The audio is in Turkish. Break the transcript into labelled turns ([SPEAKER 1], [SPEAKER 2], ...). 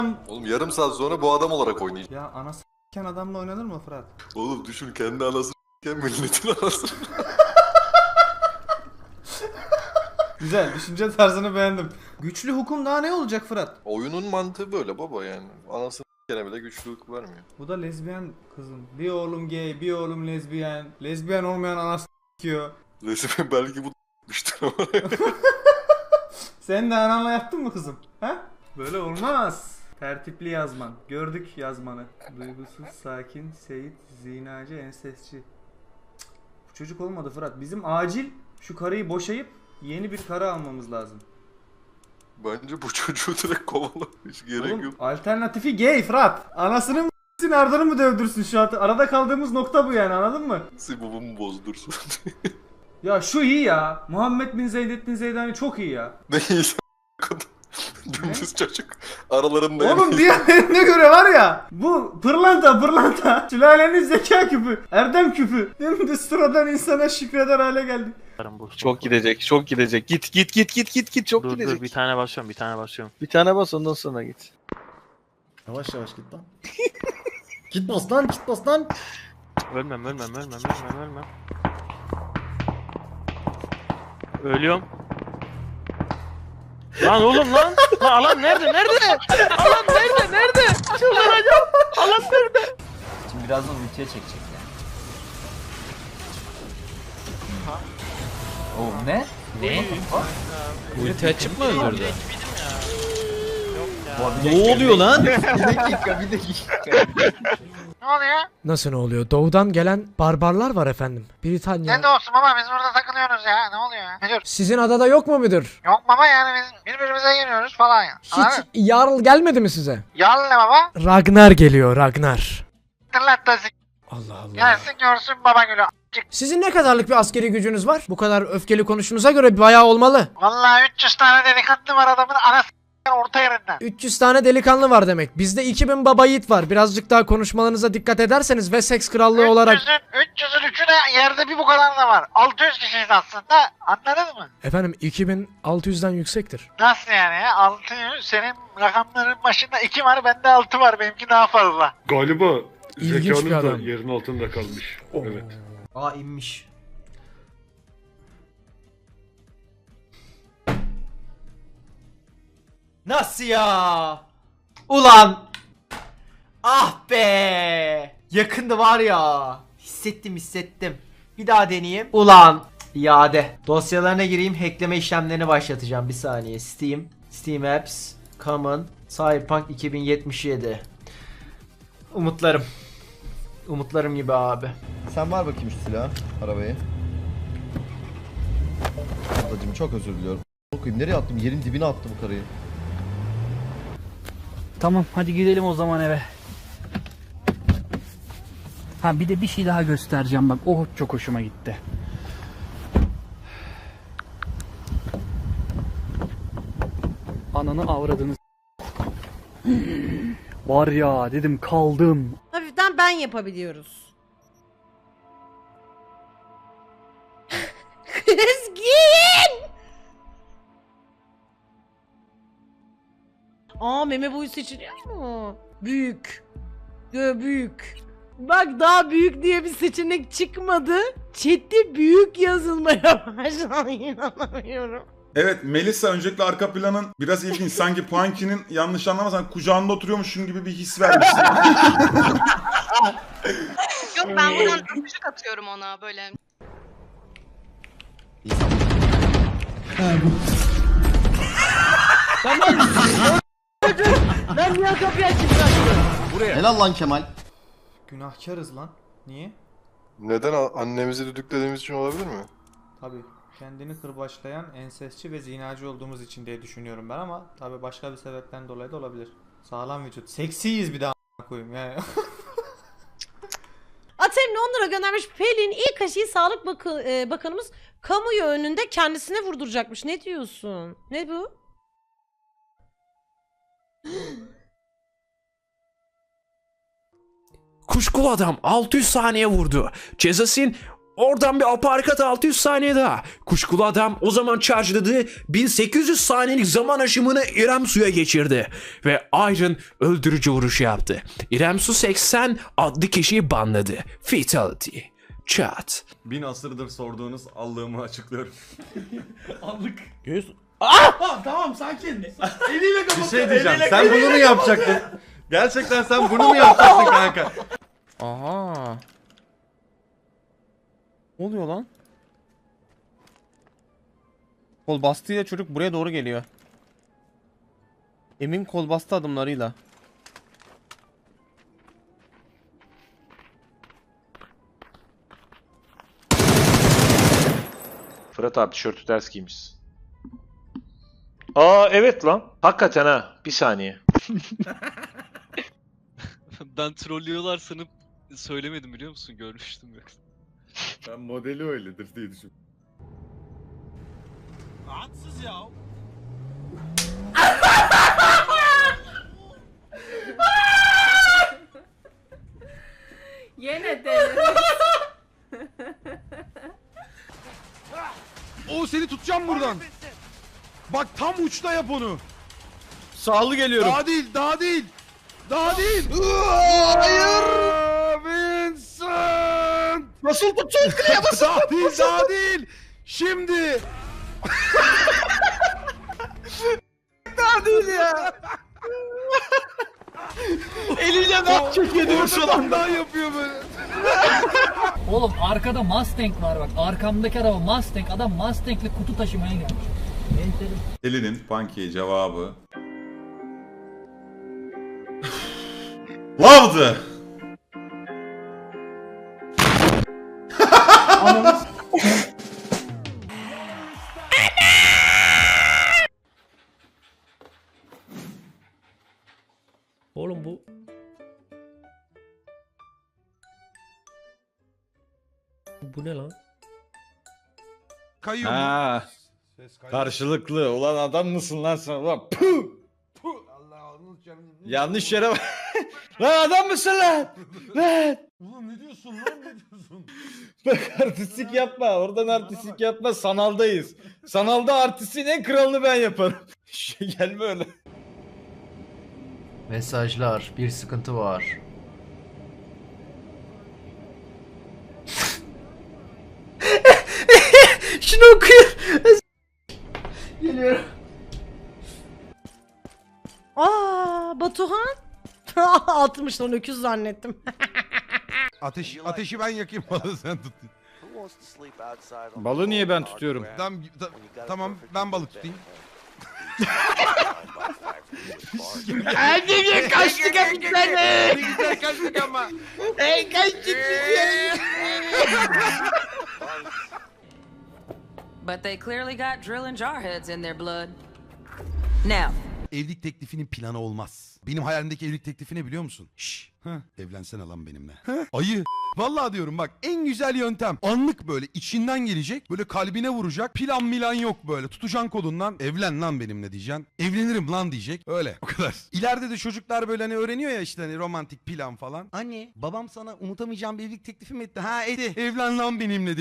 [SPEAKER 1] Oğlum yarım saat sonra bu adam olarak oynayacak.
[SPEAKER 2] Ya anası s**ken adamla oynanır mı Fırat?
[SPEAKER 1] Oğlum düşün kendi anasını s**ken milletin anasını.
[SPEAKER 2] Güzel, düşünce tarzını beğendim. Güçlü hukum daha ne olacak Fırat?
[SPEAKER 1] Oyunun mantığı böyle baba yani. Anasını s**kene bile güçlülük vermiyor.
[SPEAKER 2] Bu da lezbiyen kızım. Bir oğlum gay, bir oğlum lezbiyen. Lezbiyen olmayan anası s**kiyor.
[SPEAKER 1] Resmen belki bu d**miştir ama.
[SPEAKER 2] Sen de ananla yattın mı kızım? Ha? Böyle olmaz. Tertipli yazman. Gördük yazmanı. Duygusuz, sakin, seyit, zinacı, ensesçi. Cık, bu çocuk olmadı Fırat. Bizim acil şu karıyı boşayıp yeni bir karı almamız lazım.
[SPEAKER 1] Bence bu çocuğu direkt kovala. Hiç gerek
[SPEAKER 2] Oğlum,
[SPEAKER 1] yok.
[SPEAKER 2] alternatifi gay Fırat. Anasını mı ardını mı dövdürsün şu an? Arada kaldığımız nokta bu yani, anladın mı?
[SPEAKER 1] Sibubumu bozdursun.
[SPEAKER 2] Ya şu iyi ya. Muhammed bin Zeydettin Zeydani çok iyi ya.
[SPEAKER 1] Ne iyiyse dümdüz çocuk. Aralarında
[SPEAKER 2] Oğlum diğerlerine göre var ya, bu pırlanta sülalenin zeka küpü, erdem küpü. Dümdüz sıradan insana şükreder hale geldik.
[SPEAKER 3] Çok gidecek, çok gidecek. Git çok
[SPEAKER 4] Dur
[SPEAKER 3] gidecek.
[SPEAKER 4] dur bir tane basıyorum.
[SPEAKER 3] Bir tane bas ondan sonra git.
[SPEAKER 5] Yavaş yavaş git lan. Git bas lan, git bas lan.
[SPEAKER 4] Ölmem. Ölüyorum. Lan oğlum lan. Lan alan nerede? Alan nerede? Çıldıracağım. Alan nerede?
[SPEAKER 6] Şimdi birazdan ultiye çekecek yani. Oo ne?
[SPEAKER 7] Ulti açıp mı öldürdü?
[SPEAKER 6] Ne
[SPEAKER 7] oluyor lan?
[SPEAKER 6] bir dakika.
[SPEAKER 8] Ne oluyor?
[SPEAKER 7] Nasıl ne oluyor? Doğudan gelen barbarlar var efendim. Britanya.
[SPEAKER 8] Ne de olsun baba, biz burada takılıyoruz ya. Ne oluyor ya? Ne diyor?
[SPEAKER 7] Sizin adada yok mu müdür?
[SPEAKER 8] Yok baba, yani biz birbirimize geliyoruz falan ya.
[SPEAKER 7] Hiç Jarl gelmedi mi size?
[SPEAKER 8] Yal ne baba?
[SPEAKER 7] Ragnar geliyor, Ragnar.
[SPEAKER 8] Tırlattasın.
[SPEAKER 7] Allah Allah.
[SPEAKER 8] Gelsin görsün baba gülü.
[SPEAKER 7] Sizin ne kadarlık bir askeri gücünüz var? Bu kadar öfkeli konuştuğunuza göre bayağı olmalı.
[SPEAKER 8] Vallahi 300 tane delikanlı var adamın anası orta yerinden.
[SPEAKER 7] 300 tane delikanlı var demek. Bizde 2000 baba yiğit var. Birazcık daha konuşmalarınıza dikkat ederseniz Wessex krallığı olarak...
[SPEAKER 8] 300'ün 3'ü de yerde bir bu kadar da var. 600 kişiyiz aslında. Anladın mı?
[SPEAKER 7] Efendim 2600'den yüksektir.
[SPEAKER 8] Nasıl yani ya? 600. Senin rakamların başında 2 var, bende 6 var. Benimki daha fazla.
[SPEAKER 9] Galiba
[SPEAKER 7] İlginç bir
[SPEAKER 9] zekanın da
[SPEAKER 7] adam.
[SPEAKER 9] yerin altında kalmış. Evet.
[SPEAKER 6] Aa inmiş.
[SPEAKER 2] Nasıl ya? Ulan! Ah be! Yakındı var ya. Hissettim. Bir daha deneyeyim. Ulan! İade. Dosyalarına gireyim, hackleme işlemlerini başlatacağım. Bir saniye. Steam Apps, Common, Cyberpunk 2077. Umutlarım gibi abi.
[SPEAKER 5] Sen var bakayım şu silahı, arabayı. Ablacım çok özür diliyorum. Okuyayım, nereye attım? Yerin dibine attım bu karıyı.
[SPEAKER 10] Tamam hadi gidelim o zaman eve. Ha bir de bir şey daha göstereceğim bak, o çok hoşuma gitti. Ananı avradınız. Var ya dedim kaldım.
[SPEAKER 8] Hafiften ben yapabiliyoruz. Kızgın! Aa, meme boyu seçiliyor mu? Büyük. Büyük. Bak, daha büyük diye bir seçenek çıkmadı. Chat'te büyük yazılmaya başladı. İnanamıyorum.
[SPEAKER 9] Evet Melisa, öncelikle arka planın biraz ilginç. Sanki Punky'nin, yanlış anlamazsan, kucağında oturuyormuşsun gibi bir his vermişsin.
[SPEAKER 8] Yok, ben buradan öpücük atıyorum ona böyle.
[SPEAKER 10] Ben niye kapıyı açayım?
[SPEAKER 5] Helal lan Kemal.
[SPEAKER 2] Günahkarız lan. Niye?
[SPEAKER 1] Neden annemizi düdüklediğimiz için olabilir mi?
[SPEAKER 2] Tabii. Kendini kırbaçlayan, ensesçi ve zinacı olduğumuz için diye düşünüyorum ben, ama tabii başka bir sebepten dolayı da olabilir. Sağlam vücut. Seksiyiz bir daha koyayım yani.
[SPEAKER 8] Aterin 10 lira göndermiş. Pelin ilk aşıyı Sağlık Bakanımız kamuoyu önünde kendisine vurduracakmış. Ne diyorsun? Ne bu?
[SPEAKER 7] Kuşkulu adam 600 saniye vurdu. Cezasın
[SPEAKER 11] Oradan bir aparkat 600 saniye daha. Kuşkulu adam o zaman charge'ladı. 1800 saniyelik zaman aşımını İrem Su'ya geçirdi. Ve Iron öldürücü vuruşu yaptı. İrem Su 80 adlı kişiyi banladı. Fatality. Chat.
[SPEAKER 9] 1000 asırdır sorduğunuz allığımı açıklıyorum.
[SPEAKER 2] Aldık.
[SPEAKER 11] Göz...
[SPEAKER 2] Tamam sakin. Eliyle kapat.
[SPEAKER 1] Bir şey diyeceğim. Sen bunu mu yapacaktın? Gerçekten sen bunu mu yapacaktın kanka?
[SPEAKER 4] Aha. Ne oluyor lan? Kol bastığıyla çocuk buraya doğru geliyor. Emin kol bastı adımlarıyla.
[SPEAKER 12] Fırat abi tişörtü ters giymiş. Aa evet lan. Hakikaten ha. Bir saniye.
[SPEAKER 3] Ben trollüyorlar sanıp söylemedim biliyor musun? Görmüştüm yoksa.
[SPEAKER 1] Ben modeli öyledir diye düşün.
[SPEAKER 8] Yine de.
[SPEAKER 9] O seni tutacağım buradan. Bak tam uçta yap onu.
[SPEAKER 4] Sağlı geliyorum.
[SPEAKER 9] Daha değil, daha değil. Daha değil. Hayır. Vincent.
[SPEAKER 4] Nasıl tutacağız kıyamazsın?
[SPEAKER 9] Daha değil, daha değil. Şimdi.
[SPEAKER 4] Daha değil ya. Eliyle bak çekiyor şu anda.
[SPEAKER 9] Daha yapıyor böyle.
[SPEAKER 10] Oğlum arkada Mustang var bak. Arkamdaki araba Mustang. Adam Mustang'le kutu taşımaya gelmiş.
[SPEAKER 9] Elinin Punky'ye cevabı. Love'dı.
[SPEAKER 7] Oğlum bu... Bu ne lan?
[SPEAKER 9] Kayıyor mu?
[SPEAKER 1] Ha. Karşılıklı. Ulan adam mısın lan sen? Ulan puh! Yanlış yere bak. Lan adam mısın lan? Lan!
[SPEAKER 9] Oğlum ne diyorsun lan, ne diyorsun?
[SPEAKER 1] Bak artistik yapma. Oradan artistik yapma. Sanaldayız. Sanalda artistin en kralını ben yaparım. Gelme öyle.
[SPEAKER 6] Mesajlar, bir sıkıntı var.
[SPEAKER 7] Şunu okuyun. Geliyorum.
[SPEAKER 8] Aa Batuhan. 60 lan öküz zannettim.
[SPEAKER 9] Ateşi ben yakayım, balığı sen tut.
[SPEAKER 1] Balığı niye ben tutuyorum?
[SPEAKER 9] Tamam ben balık tutayım.
[SPEAKER 4] Anneye kaçtık hep seni.
[SPEAKER 9] Ne güzel kaçtık ama.
[SPEAKER 4] Ey kaçtık biz.
[SPEAKER 8] But they clearly got drill and jar heads in their blood. Now.
[SPEAKER 9] Evlilik teklifinin planı olmaz. Benim hayalimdeki evlilik teklifi ne biliyor musun? Şşş. Evlensene lan benimle. Ayı. Vallahi diyorum bak, en güzel yöntem. Anlık böyle içinden gelecek. Böyle kalbine vuracak. Plan milan yok böyle. Tutacaksın kolundan. Evlen lan benimle diyeceksin. Evlenirim lan diyecek. Öyle. O kadar. İleride de çocuklar böyle hani öğreniyor ya işte hani romantik plan falan. Anne babam sana unutamayacağım bir evlilik teklifi mi etti? Ha etti. Evlen lan benimle